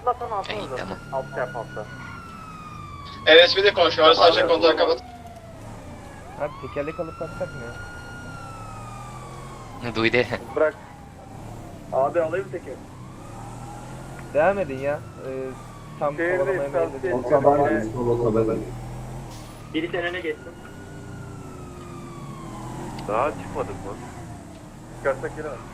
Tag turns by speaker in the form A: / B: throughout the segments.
A: Atlasana atsanıza.
B: Tamam.
A: Alt yap altta.
C: LSP'de konuşuyor. Sadece kontağı kapat.
D: Abi tekerlek alıp kalksak mı ya?
B: Duydu.
A: Bırak. Abi alayım tekeri.
D: Devam edin ya. Tam kovalamaya meyilli.
A: Biri sen öne geçsin. Daha çıkmadık mı? Çıkarsak geri al.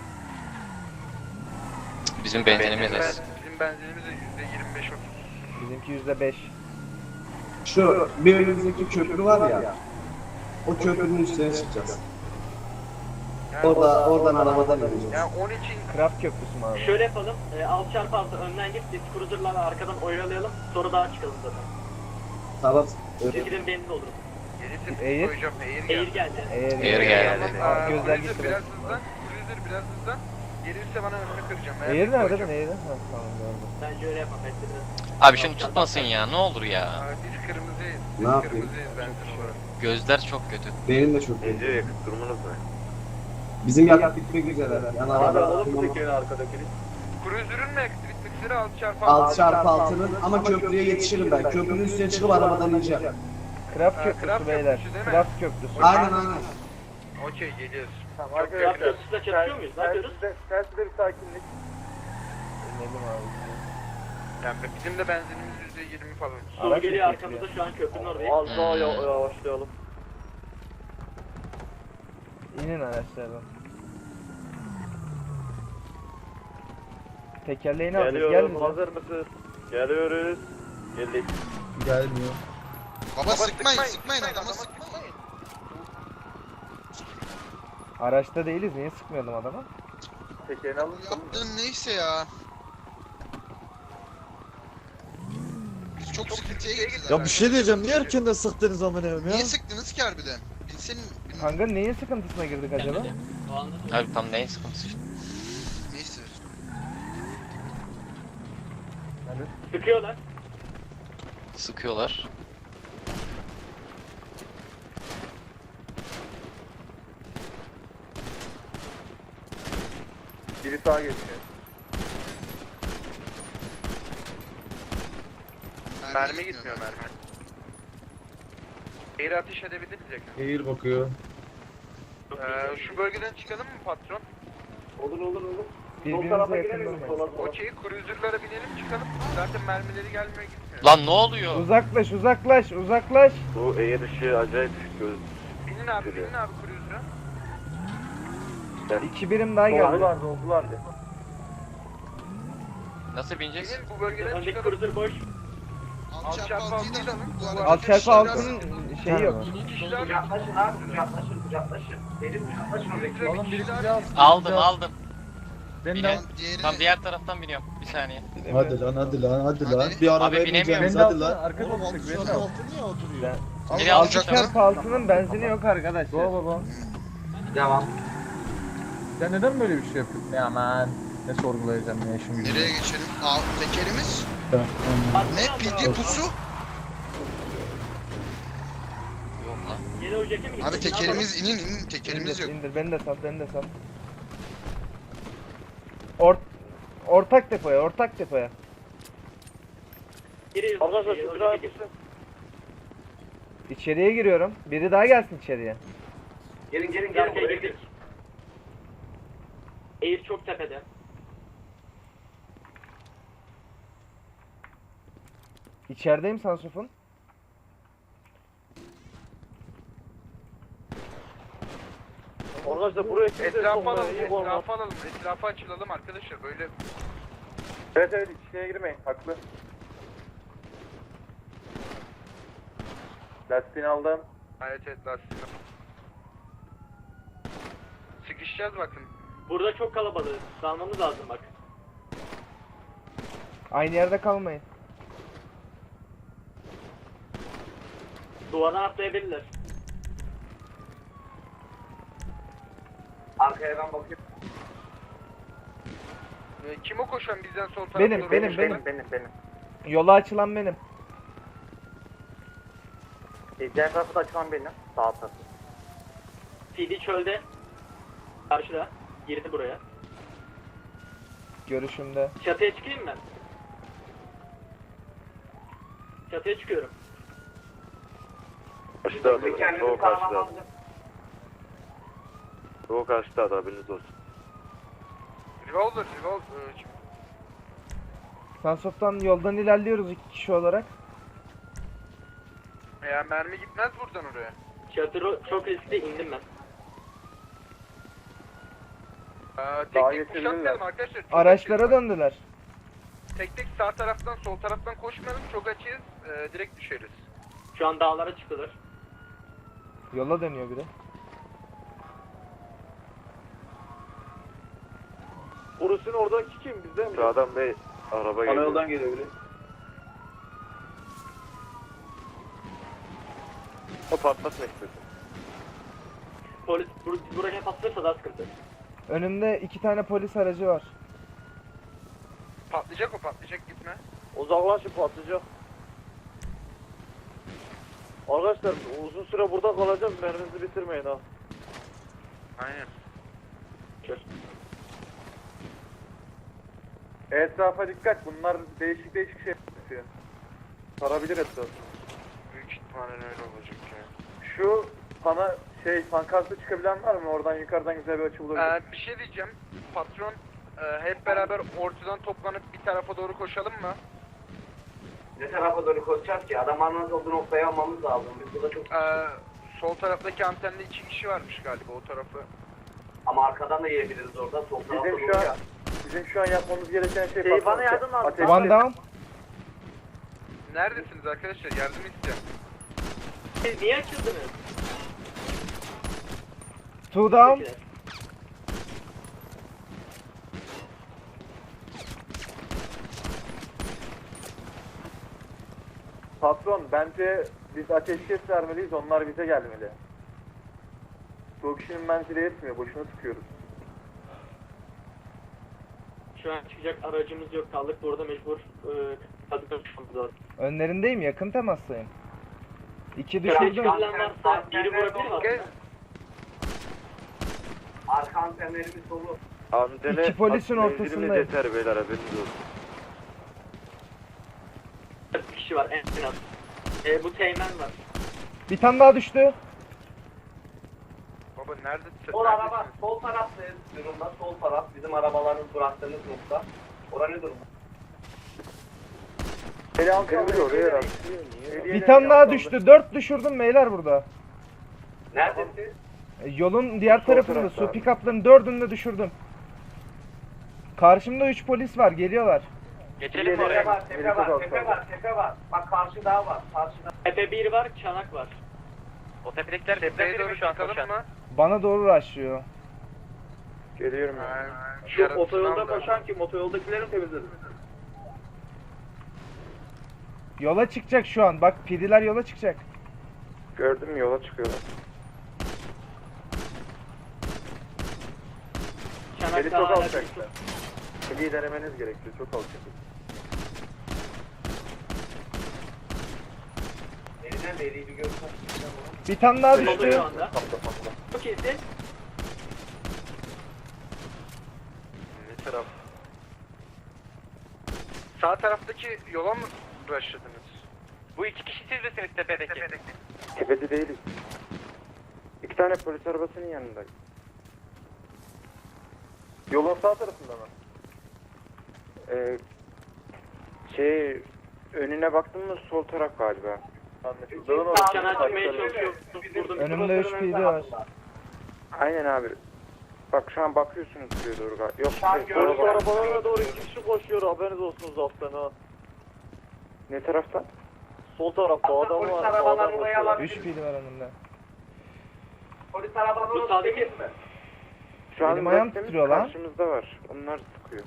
B: Bizim benzinimiz az.
E: Bizim benzinimiz de %25
D: Bizimki %5.
F: Şu bir önümüzdeki köprü var ya. O köprünün üstüne çıkacağız. Oradan arabadan ineceğiz.
E: Yani onun için
D: Craft köprüsü mü abi?
A: Şöyle yapalım. 6x6 önden git. Biz cruiser'larla arkadan oyalayalım. Sonra daha çıkalım zaten.
F: Tamam.
A: Çekilin benzin olur.
E: yeni tepki
D: Eğir.
E: koyacağım.
A: Eğir geldi.
B: Eğer geldi.
D: Gözler
E: Cruiser
D: gitti.
E: biraz hızlan. Cruiser biraz hızlan. Gelirse bana önünü kıracağım.
D: Eğir nerede
E: koyacağım.
D: lan Eğir? Ha tamam gördüm.
A: Bence öyle yapalım. Bekle biraz.
B: Abi şunu tutmasın ya, ne olur ya.
E: Biz kırmızıyız.
F: Ne
E: Biz
F: yapayım?
E: kırmızıyız benzin olarak.
B: Gözler çok kötü.
F: Benim de çok iyi.
A: yakıt durumunuz ne?
F: Bizim yakıt bitmek üzere. Yani
A: Abi
F: araba
A: alalım mı tekerin arkadakini?
E: Cruiser'ın mı yakıt bitmek üzere
F: 6x6'nın ama köprüye yetişirim ben. Köprünün üstüne çıkıp arabadan ineceğim.
D: Craft
E: Ha,
D: köprüsü
E: Craft
D: beyler.
E: köprüsü değil mi?
D: Craft köprüsü.
F: Aynen aynen.
E: Okey geliyoruz.
A: Tamam arkadaşlar. Köprüsüyle çatışıyor muyuz? Ne yapıyoruz? Terside bir sakinlik.
D: İnelim abi.
E: Yani bizim de benzinimiz %20 falan.
A: Soru
D: Araç
A: geliyor
D: bekliyor.
A: arkamızda şu an köprünün oradayız.
B: Az daha
A: yavaşlayalım.
D: İnin araçlardan. Tekerleğini alacağız. Gel bize.
A: Hazır mısınız? Geliyoruz. Geldik.
F: Gelmiyor.
G: Baba sıkmayın adama sıkmayın.
D: Araçta değiliz. Niye sıkmayalım adama?
A: Tekerini alın.
G: Bu yaptığın neyse ya. Biz çok sıkıntıya gireceğiz.
H: Ya bir şey diyeceğim, niye erkenden sıktınız amına koyayım ya?
G: Niye sıktınız ki harbiden? Bilsenin
D: Kanka neyin sıkıntısına girdik acaba?
B: Abi tam neyin sıkıntısı işte.
G: neyse.
A: Sıkıyorlar.
B: Sıkıyorlar.
A: Biri sağa geçiyor.
E: Mermi gitmiyor mermi. Eğri ateş edebiliriz yakın.
H: Eğir bakıyor.
E: Şu bölgeden çıkalım mı patron?
A: Olur.
D: Birbirimize yakın durmayın.
E: Okey, cruiser'lara binelim çıkalım. Zaten mermileri gelmiyor gitmiyor.
B: Lan ne oluyor?
D: Uzaklaş.
A: Bu eğer ışığı acayip göz.
E: Binin abi cruiser'a.
D: 2 birim daha geldi.
A: Doldular.
B: Nasıl bineceğiz?
E: Binin bu bölgeden
A: Öndeki
E: çıkalım.
A: cruiser boş.
G: Alçak da bu arada.
D: Alt çarpı altının şeyi yok.
E: İki kişiler
A: Uzaklaşın abi, uzaklaşın. Benim uzaklaşın.
E: Oğlum biri silah
B: Aldım.
G: Diğeri
B: Tam diğer taraftan biniyorum. Bir saniye.
H: Hadi lan.
G: Hadi.
H: Bir arabaya
B: Abi binemiyorum.
H: bineceğiz hadi lan.
G: Oğlum altı niye oturuyor?
B: Biri
D: Alt
B: alacak
D: çarpı altının benzini yok arkadaşlar.
A: Devam.
I: Sen neden böyle bir şey yapıyorsun? Ya aman ne sorgulayacağım ya şimdi.
G: Nereye geçelim? Tekerimiz. Ne? Pidye pusu?
B: Yok lan.
A: Yeni ocak'a mı
G: Abi tekerimiz inin tekerimiz yok.
D: İndir, beni de sal. Ortak depoya.
A: Arkadaşlar şu bina yapışsın.
D: İçeriye giriyorum. Biri daha gelsin içeriye.
A: Gelin girdik. Eğir çok tepede.
D: İçerideyim Sansuf'un.
A: Arkadaşlar buraya
E: etrafa açılalım arkadaşlar böyle.
A: Evet içine girmeyin haklı. Lastiğini aldım.
E: Evet lastiğini. Sıkışacağız bakın.
A: Burada çok kalabalık. Dalmamız lazım bak.
D: Aynı yerde kalmayın.
A: Duvardan atlayabilirler. Arkaya ben bakayım.
E: Kim o koşan bizden sol tarafa
D: Benim,
E: doğru
D: benim,
E: koşan?
A: Benim.
D: Yola açılan benim.
A: Diğer tarafı da açılan benim. Sağ tarafı. CD çölde. Karşıda. Girdi buraya.
D: Görüşümde.
A: Çatıya çıkayım ben. Çatıya çıkıyorum.
J: Karşıda adam. Soğuk karşıda adam. Soğuk karşıda adam, haberiniz olsun.
E: Revolver.
D: Sunsoft'tan yoldan ilerliyoruz 2 kişi olarak.
E: Ya mermi gitmez buradan oraya.
A: Çatı çok riskli, indim ben.
E: Tek tek kuşatmayalım arkadaşlar. Çok
D: Araçlara
E: açığız.
D: döndüler.
E: Tek tek sağ taraftan sol taraftan koşmayalım. Çok açığız. Direkt düşeriz.
A: Şu an dağlara çıktılar.
D: Yola dönüyor biri.
A: Urus'un oradaki kim? Bizde mi?
J: Sağdan bir araba geliyor.
F: geliyor biri.
J: O patlatmak istiyorsun.
A: Polis buraya patlarsa daha sıkıntı.
D: Önümde 2 tane polis aracı var.
E: Patlayacak gitme.
A: Uzaklaşın, patlayacak. Arkadaşlar uzun süre burada kalacağız, merminizi bitirmeyin ha.
E: Aynen.
A: Etrafa dikkat, bunlar değişik şey yapıyor. Sarabilir etrafı.
E: Büyük ihtimalle öyle olacak ya.
A: Şu pankartı çıkabilen var mı? Oradan yukarıdan güzel bir açı bulabilir.
E: Bir şey diyeceğim. Patron hep beraber ortadan toplanıp bir tarafa doğru koşalım mı?
F: Ne tarafa doğru koşacağız ki? Adamların olduğu noktayı almamız lazım. Biz burada çok...
E: Sol taraftaki antende 2 kişi varmış galiba o tarafı.
F: Ama arkadan da yiyebiliriz orada. Sol tarafta
A: Bizim şu an yapmamız gereken şey bana yardım lazım.
D: One down.
E: Neredesiniz arkadaşlar? Yardım istiyorum.
A: Siz niye açıldınız?
D: 2 down.
A: Patron, bence biz ateşkes vermeliyiz, onlar bize gelmeli. Bu kişinin menzili yetmiyor, boşuna sıkıyoruz. Şu an çıkacak aracımız yok, kaldık burada mecbur kadıklar çıkmamız lazım.
D: Önlerindeyim, yakın temastayım. 2
A: Düşürdüm.
D: düşürdüm.
A: Varsa biri vurabilir mi?
F: Arka antenlerimiz dolu.
J: Antene
D: İki polisin
J: menzilimiz
D: ortasındayım.
J: yeter beyler, haberiniz olsun.
A: 4 kişi var en az. Bu teğmen var.
D: Bir tane daha düştü.
E: Baba neredesin?
F: Sol araba, sol taraftayız durumda. Sol taraf bizim arabaların bıraktığımız nokta. Orada ne durum?
J: Kırmızı oraya rast.
D: Bir tane daha düştü. 4 düşürdüm beyler burada.
F: Neredesin?
D: Yolun diğer tarafında su pick-up'ların 4'ünü de düşürdüm. Karşımda 3 polis var, geliyorlar.
B: Geçelim mi
F: Tepe
B: oraya?
F: var, tepe var, tepe var, tepe var. Bak karşı dağ var, karşıda.
A: Tepe 1 var, çanak var.
B: O tepedekiler
E: Tepeye
B: bizden biri
E: doğru
B: mi şu an
E: çıkalım
B: koşan?
E: mı?
D: Bana doğru rushlıyor.
J: Geliyorum ya.
E: Şu otoyolda koşan
A: kim? Otoyoldakilerin temizledi.
D: Yola çıkacak şu an. Bak pidiler yola çıkacak.
J: Gördüm, yola çıkıyorlar.
A: Çanak
J: Beni
A: daha
J: çok
A: hala
J: alçaklar. Piliyi denemeniz gerekiyor, çok alçak.
F: Elinden de eliyi bir göster.
D: Bir tane daha
A: düştü.
D: düştü.
A: Şu anda. Çok iyisin.
J: Ne taraf?
E: Sağ taraftaki yola mı rushladınız?
B: Bu 2 kişi siz misiniz tepedeki?
J: Tepede değiliz. 2 tane polis arabasının yanındayız.
A: Yolun sağ tarafında mı?
J: Önüne baktın mı sol taraf galiba.
A: Anlaşıldı. Dağın orası.
F: Çanak
A: çıkmaya çalışıyor.
D: Önümde 3 pidi var.
J: Aynen abi. Bak şu an bakıyorsunuz buraya doğru galiba. Yok,
A: Polis arabalarına doğru 2 kişi koşuyor, haberiniz olsun zaten ha.
J: ne taraftan?
A: Sol tarafta adam
F: Polis
A: var.
F: arabalar
A: sağdan
F: oraya
A: koşuyor.
F: alabilir.
D: 3 pidi var önümde.
F: Polis arabaları
A: Bu sağdaki
F: mi?
J: Şu an
D: Benim ayağım
J: bıraktığımız
D: titriyor lan.
J: karşımızda var. Onlar sıkıyor.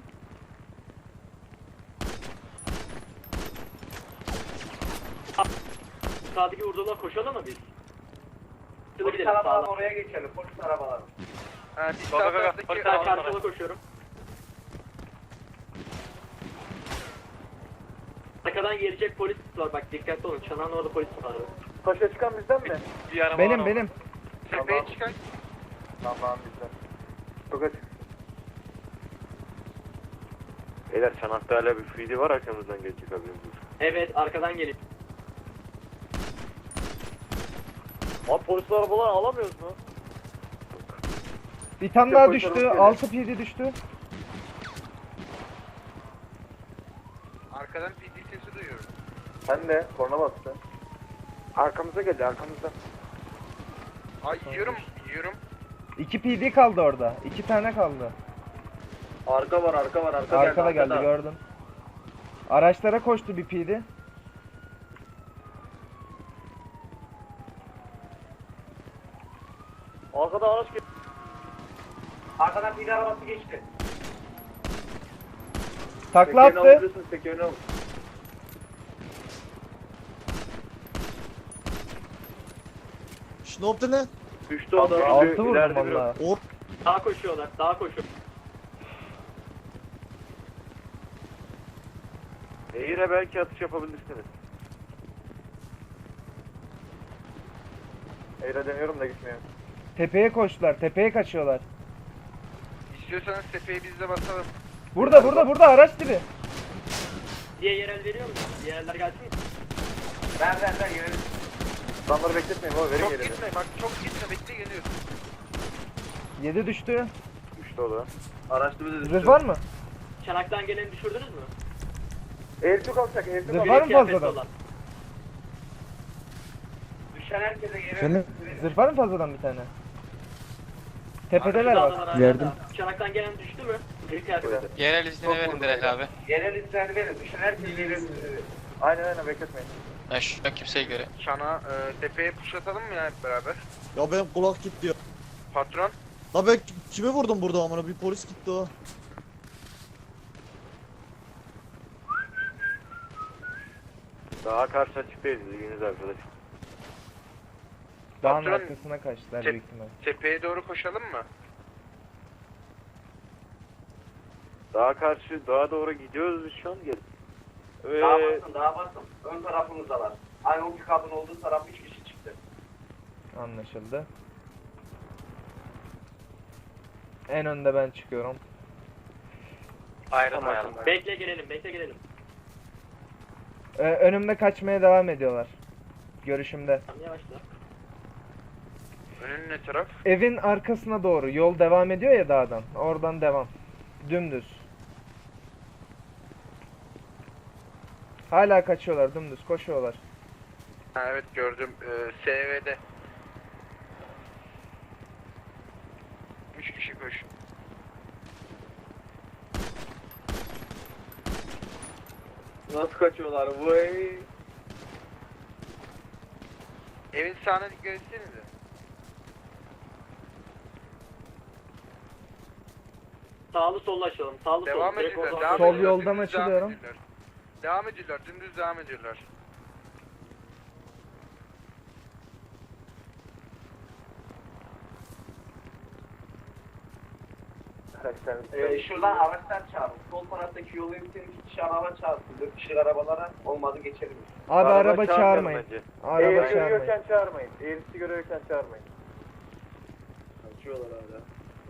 A: Sağdaki vurdular, koşalım mı biz?
F: Polis arabaları oraya geçelim. Polis arabaları.
E: Biz
B: Bak,
E: sağ
B: bak, bak.
E: taraftaki
B: Polis
A: Ben
B: arabaları.
A: karşıla koşuyorum. Arkadan gelecek polis var, bak dikkatli olun. Çanağın orada polis var.
B: Taşa çıkan bizden mi? Bir araba
D: Benim
B: var
D: benim.
E: tepeye çıkan
A: Tamam bizden. Çok açık.
J: Beyler çanakta hala bir fili var, arkamızdan gelecek haberiniz olsun.
B: Evet arkadan gelip.
A: Abi polisler arabalar alamıyoruz mu?
D: Bir tane daha düştü. 6 PD düştü.
E: Arkadan PD sesi duyuyorum.
A: Ben de korna bastı.
J: Arkamıza geldi arkamızda.
E: Ay yiyorum.
D: 2 PD kaldı orada. 2 tane kaldı.
A: Arka var.
D: Arkada geldi gördüm. Araçlara koştu bir PD.
A: Arkada araç geliyor.
B: Arkadan bir arabası geçti.
D: Takla attı.
H: Şu ne yaptı lan?
A: Düştü o da.
D: 6 vurdum valla.
B: Daha koşuyorlar. Daha koşuyor.
A: Eğir'e belki atış yapabilirsiniz. Eğir'e deniyorum da gitmiyor.
D: Tepeye koştular. Tepeye kaçıyorlar.
E: İstiyorsanız tepeye biz de basalım.
D: Burada araç dibi.
B: Diye yerel veriyor musun? Diğerler gelsin mi? Ver yerel.
A: Adamları bekletmeyin baba verin
E: Çok
A: yerini.
E: gitme bak çok gitme bekle geliyorsun.
D: 7 düştü.
A: Düştü o da. Araçlı bir de düştü.
D: Zırh var mı?
B: Çanaktan geleni düşürdünüz mü?
A: Eğir çok alacak. Eğir çok
D: Zırh
A: alacak.
D: var mı
B: Kıyafetli
D: fazladan?
B: olan. Düşen herkese geri.
H: Efendim?
D: Zırh var mı fazladan bir tane? Tepedeler
B: Arkada
D: bak.
B: var,
H: Verdim.
B: arkada. Çanaktan gelen düştü mü? Bir kıyafetli.
C: Yerel izni verin direkt abi.
B: Yerel izni verin. Düşen herkese geri.
A: Aynen bekletmeyin.
C: Ben şu an kimseye göre.
E: Çana tepeye pushlatalım mı ya hep beraber?
H: Ya benim kulak gitti ya.
E: Patron.
H: La ben kime vurdum burada amına? Bir polis gitti o.
A: Daha karşı açıktayız ilginiz arkadaş.
D: Dağın
E: Patron,
D: arkasına kaçtılar
E: tep-
D: büyük ihtimal.
E: Tepeye doğru koşalım mı?
A: Daha doğru gidiyoruz biz şu an gel.
B: Daha basın. Ön tarafımızdalar. Aynı o pikabın olduğu taraf 3 kişi çıktı.
D: Anlaşıldı. En önde ben çıkıyorum.
B: Ayrılmayalım. Bekle gelelim.
D: Önümde kaçmaya devam ediyorlar. Görüşümde.
B: Tamam yavaşla.
E: Önün ne taraf?
D: Evin arkasına doğru. Yol devam ediyor ya dağdan. Oradan devam. Dümdüz. Hala kaçıyorlar. Dümdüz koşuyorlar.
E: Ha, evet gördüm. SV'de. 3 kişi koş.
A: Nasıl kaçıyorlar vay?
E: Evin sağına dikkat etsenize.
B: Sağlı sollu açalım. Sağlı
E: Devam
B: sollu. Direkt
E: ediyorlar.
B: oradan-
E: Devam
D: Sol
E: ediyorlar,
D: yoldan
E: dümdüz
D: açılıyorum.
E: Devam ediyorlar. Dümdüz devam ediyorlar.
B: Şuradan araçlar çağırın. Sol taraftaki yolu bitirip 2 kişi araba çağırsın. 4 kişi arabalara olmadı geçelim.
D: Abi araba çağırmayın. Araba
A: Eğri
D: çağırmayın.
A: görüyorken çağırmayın. Eğrisi görüyorken çağırmayın. Kaçıyorlar hala.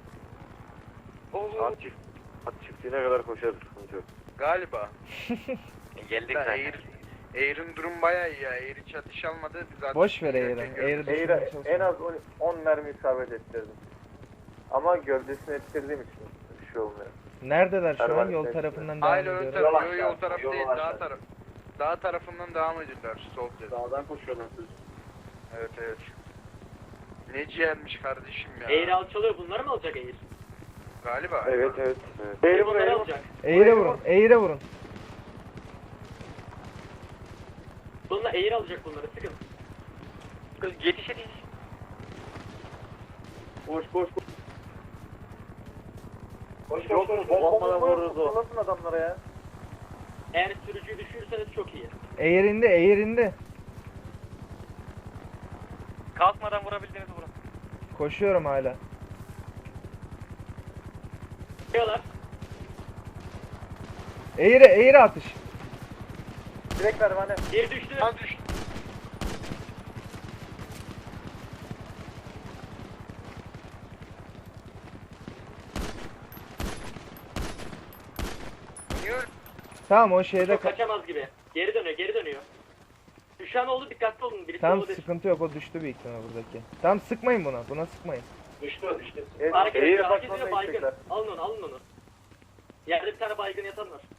A: At çiftliğine kadar koşarız sıkıntı yok.
E: Galiba.
B: Geldik
E: Da Air'in durum bayağı iyi ya. Air hiç atış almadı. Biz zaten
D: Boş ver
E: giderken
D: Eğri.
E: gördük.
D: Eğri
A: Eğri
D: düşürmeye
A: en
D: çalışıyorum.
A: az 10 mermi isabet ettirdim. Ama gövdesini ettirdiğim için bir şey olmuyor.
D: Neredeler şu an?
A: Pervane
D: Yol
A: sesleri.
D: tarafından devam
E: Hayır ön
D: ediyorum.
E: taraf.
B: Yol
E: Yol
B: aşağı,
E: taraf
B: yol
E: değil.
B: aşağı.
E: Dağ tarafından devam ediyorlar. Sol dedi.
A: Dağdan koşuyorlar siz.
E: Evet evet. Ne ciğermiş kardeşim ya.
B: Eğri alçalıyor. Bunları mı alacak Eğri?
E: Galiba.
A: Evet. Eğri
B: Bunları
A: buraya.
B: alacak.
D: Eğri vurun. Eğri vurun.
B: Bununla Eğri alacak bunları. Sıkın.
E: Yetiş.
A: Koş.
B: Koş.
A: Bombadan vururuz o. Nasıl adamlara ya?
B: Eğer sürücüyü düşürürseniz çok iyi.
D: Eğrinde.
B: Kalkmadan vurabildiğinizi vurun.
D: Koşuyorum hala.
B: Diyorlar.
D: Eğri atış.
A: Direkt pervane.
B: Bir düştü.
E: Az düştü. Niye öyle?
D: Tamam o şeyde
B: Çok kaçamaz gibi. Geri dönüyor. Düşen oldu, dikkatli olun. Birisi
D: Tamam
B: oldu.
D: sıkıntı yok, o düştü büyük ihtimal buradaki. Tamam sıkmayın buna sıkmayın.
B: Düştü.
A: Evet,
B: Hareket
A: eğer
B: ediyor, hareket
A: bakmamda
B: ediyor, baygın.
A: gidecekler.
B: Alın onu. Yerde bir tane baygın yatan var.